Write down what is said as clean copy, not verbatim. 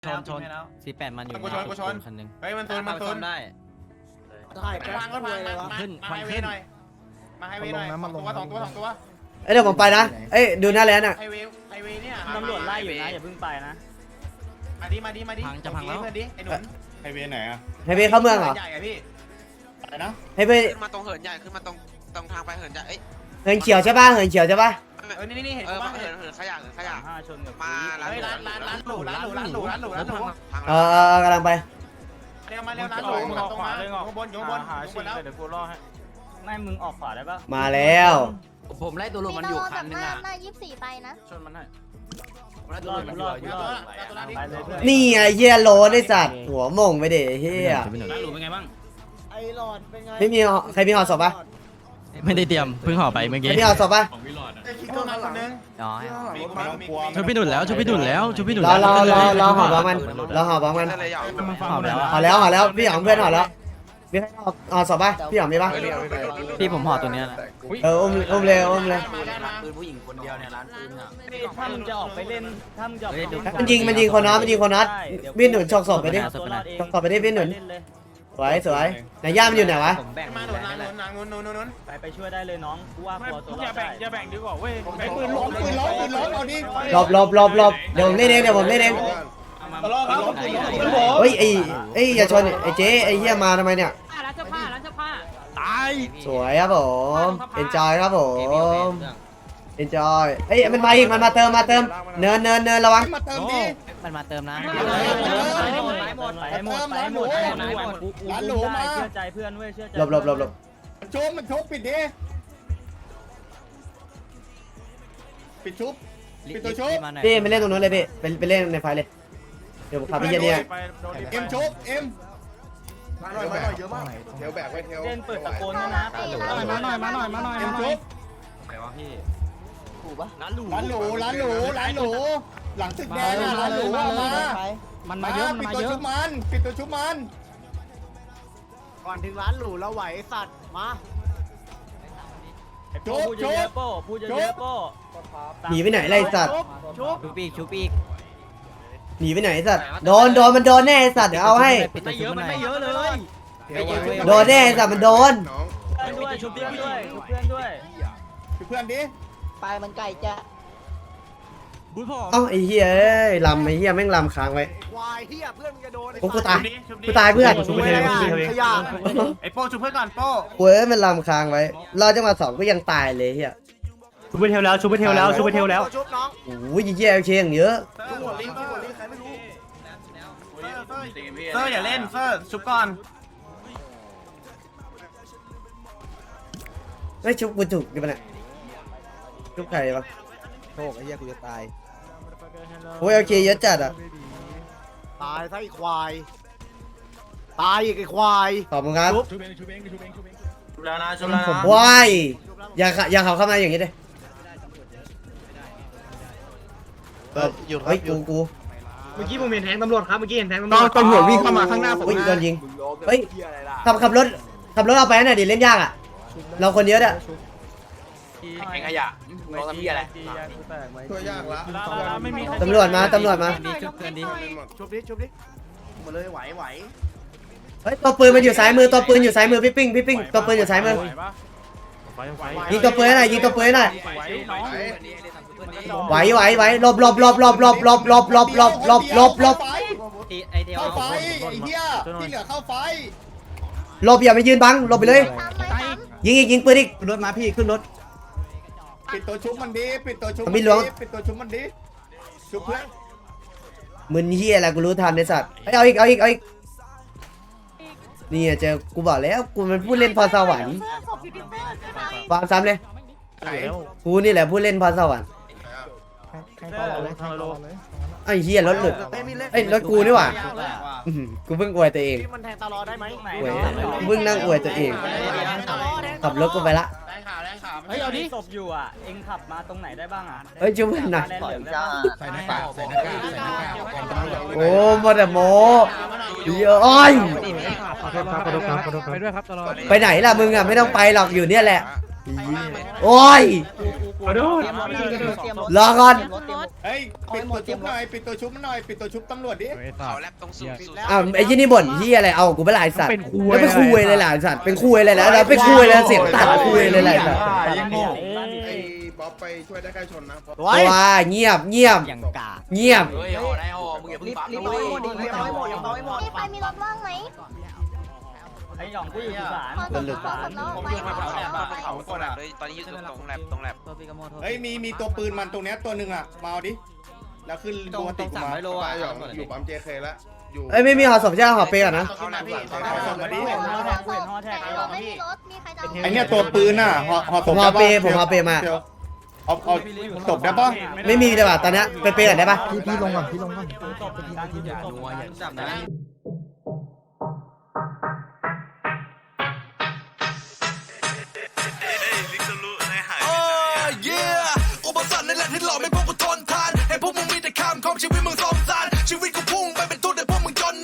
ชน48มันอยู่ในคันนึงเฮ้ยมันตุนได้ถ่ายไปพังก็พังเลยวะขึ้นมาให้เวหน่อยมาให้เวหน่อยสองตัวเดี๋ยวผมไปนะเอ้ยดูหน้าแลนด์อ่ะไฮเวเนี่ยตำรวจไล่อยู่นะอย่าเพิ่งไปนะมาดิจะพังแล้วเพื่อนดิไอ้หนุนไฮเวย์ไหนอะให้ไปเข้าเมืองเหรอใหญ่อะพี่อะไรนะให้ไปขึ้นมาตรงเหินใหญ่ขึ้นมาตรงทางไปเหินใหญ่เอ้ยเหินเขียวใช่ป่ะเหินเขียวใช่ป่ะนี่เห็นเออป่ะเหินขยะ 5 ชนกับมาร้านเฮ้ยร้านหรูกำลังไปเร็วมาเร็วร้านหรูตรงมาอยู่ข้างบนแล้วเดี๋ยวกูรอให้ไม่มึงออกขวาได้ปะมาแล้วผมไล่ตัวลมมันอยู่คันนึงอ่ะหน้า24ไปนะชนมันให้ไล่ตัวลมมันอยู่ไปเลยเพื่อนนี่ไงเฮียโลนไอ้สัตว์หัวหม่งไปเด็เฮียร้านหรูเป็นไงบ้างไอ้หลอดเป็นไงไม่มีใครมีห่อศพป่ะไม่ได้เตรียมเพิ่งห่อไปเมื่อใครกี้มีห่อศพป่ะคิดตัวนั้นคนนึงอ๋อไม่ต้องกลัวชุบพี่ดุดแล้วชุบพี่ดุดแล้วชุบพี่ดุดรอห่อบ้างมันรอห่อบ้างมันเลยอยากห่อแล้วห่อแล้วพี่หยองเพื่อนห่อแล้วมีใครห่อศพป่ะพี่หยองมีป่ะพี่ผมห่อตัวเนี้ยนะอุ้มเลยปืนผู้หญิงคนเดียวเนี่ยร้านปืนอ่ะถ้ามึงจะออกไปเล่นถ้ามึงจะออกไปเล่นมันยิงคนนัดพี่หนุนฉกศพไปดิฉกศพไปดิพี่หนุนสวยไหนย่ามันอยู่ไหนวะผมแบ่งมาหนุนนางนุนไปช่วยได้เลยน้องกูว่าตัวตัวเราได้อย่าแบ่งดีกว่าเว้ยไอ้ปืนล้มเอาดิหลบเดี๋ยวผมเล่นเองเฮ้ยไอ้อย่าชนไอ้เจ๊ไอ้เหี้ยมาทำไมเนี่ยร้านเสื้อผ้าตายสวยครับผมเอ็นจอยครับผมเอ็นจอยเอ้ยมันมาอีกมันมาเติมเนินระวังมาเติมดิมันมาเติมนะไปหมดร้านหรูมาเชื่อใจเพื่อนเว้ยเชื่อใจหลบมันชุบปิดดิปิดชุบพี่ไปเล่นตรงนู้นเลยพี่ไปเล่นในไฟเลยเดี๋ยวผมขับพี่เจเนี่ยเอ็มชุบเอ็มมาหน่อยเยอะมากเทลแบกไว้เทลเล่นเปิดตะโกนด้วยนะเอ็มชุบไหนวะพี่ร้านหรูหลังตึกแดงร้านหรูมาเยอะปิดตัวชุบมันก่อนถึงร้านหรูเราไหวสัตว์มาพูดเยอะโป้พูดเยอะโป้หนีไปไหนไรสัตว์ชุบอีกหนีไปไหนสัตว์โดนมันโดนแน่สัตว์เดี๋ยวเอาให้ไม่เยอะมันไม่เยอะเลยโดนแน่สัตว์มันโดนด้วยชุบเพื่อนด้วยชุบเพื่อนดิไปมันไก่จะเอ้าไอ้เหี้ยลำไอ้เหี้ยแม่งลำค้างไว้วายเฮียเพื่อนมึงจะโดนกูตายเพื่อนขยะไอ้โป้ชุบเพื่อนก่อนโป้กูมันลำค้างไว้รอจังหวะ2ก็ยังตายเลยเหี้ยชุบไปเทลแล้วชุบน้องโอ้ยเหี้ยเชียงเยอะเซอร์อย่าเล่นเซอร์ชุบก่อนไม่ชุบกูถูกกันปะเนี่ยชุบใครปะโชคไอ้เหี้ยกูจะตายโอ้ยโอเคเยอะจัดอ่ะตายซะไอ้ควายตายอีกไอ้ควายขอบคุณครับชุบแล้วนะชุบแล้วนะว้ายอย่าเขาเข้ามาอย่างนี้เลยเฮ้ยกูเมื่อกี้ผมเห็นแทงตำรวจครับเมื่อกี้เห็นแทงตำรวจตำรวจวิ่งเข้ามาข้างหน้าผมโอ้ยโดนยิงเฮ้ยขับรถเอาไปหน่อยดิเล่นยากอ่ะเราคนเยอะอ่ะไอ้ขยะมองที่อะไรตัวยากละตำรวจมาชุบเพื่อนดิชุบดิมาเลยไหวเฮ้ยตัวปืนมันอยู่ซ้ายมือพี่ปิ้งตัวปืนอยู่ซ้ายมือยิงตัวปืนหน่อยไหวหลบไอเดียวเข้าไฟไอ้เหี้ยที่เหลือเข้าไฟหลบอย่าไปยืนบังหลบไปเลย ยิงปืนอีกรถมาพี่ขึ้นรถปิดตัวชุบมันดิปิดตัวชุบมันดิชุบเพื่อนมึนเฮียอะไรกูรู้ทันในสัตว์เอาอีกนี่เจอกูบอกแล้วกูมันพูดเล่นพรสวรรค์วางซ้ำเลยกูนี่แหละพูดเล่นพรสวรรค์ไอ้เฮียรถหลุดไอ้รถกูนี่หว่ากูเพิ่งอวยตัวเองมันแทงตลอดได้ไหมกูเพิ่งนั่งอวยตัวเองขับรถกูไปละแรงขาเฮ้ยเอาดิศพอยู่อ่ะเอ็งขับมาตรงไหนได้บ้างอ่ะเฮ้ยจุ๊บหน่อยใส่หน้ากากโอ้มาแต่โมเยอะอ้อยไปไหนล่ะมึงอ่ะไม่ต้องไปหรอกอยู่เนี่ยแหละโอ้ยรอก่อนเฮ้ยปิดตัวชุบหน่อยปิดตัวชุบมันหน่อยปิดตัวชุบตำรวจดิเขาแลบตรงสูงสุดอ้าวไอ้ยี่นี่บ่นที่อะไรเอากูไม่ลายสัตว์แล้วเป็นคุยเลยล่ะสัตว์เป็นคุยเลยแล้วเป็นคุยเลยเสียงตัดคุยเลยแหละสัตว์ไอ้บ๊อบไปช่วยได้ใกล้ชนนะว้าเงียบเงียบอย่างกาเงียบเฮ้ยได้ห่อมึงอย่าเพิ่งปั๊มรีบเอาให้หมดรีบเอาให้หมดรีบเอาให้หมดพี่ไปมีรถว่างไหมไอ้หยองผู้หญิงสารพอสดน้องผมไปยืนมาเขาตรงแลบเลยตอนนี้อยู่ตรงแลบตรงแลบตัวปีกโมโทเฮ้ยมีตัวปืนมันตรงเนี้ยตัวหนึ่งอ่ะมาเอาดิแล้วขึ้นตรงปกติ 300 มาโลอ่ะอยู่ปั๊ม JK แล้วอยู่เอ้ยไม่มีหอศพใช่ไหมหอเปย์ก่อนนะเขาแลบพี่ส่งมาดิเห็นฮอแท็กเห็นฮอแท็กแต่ไอ้หยเราองไม่มีพี่รถมีใครจะไอเนี่ยตัวปืนน่ะหอศพผมเอาเปย์ผมเอาเปย์มาเอาศพได้ปะไม่มีแต่ว่าตอนนี้ไปเปย์ก่อนได้ปะพี่ลงก่อนพี่ลงก่อนตบเหมือนกันจับนะ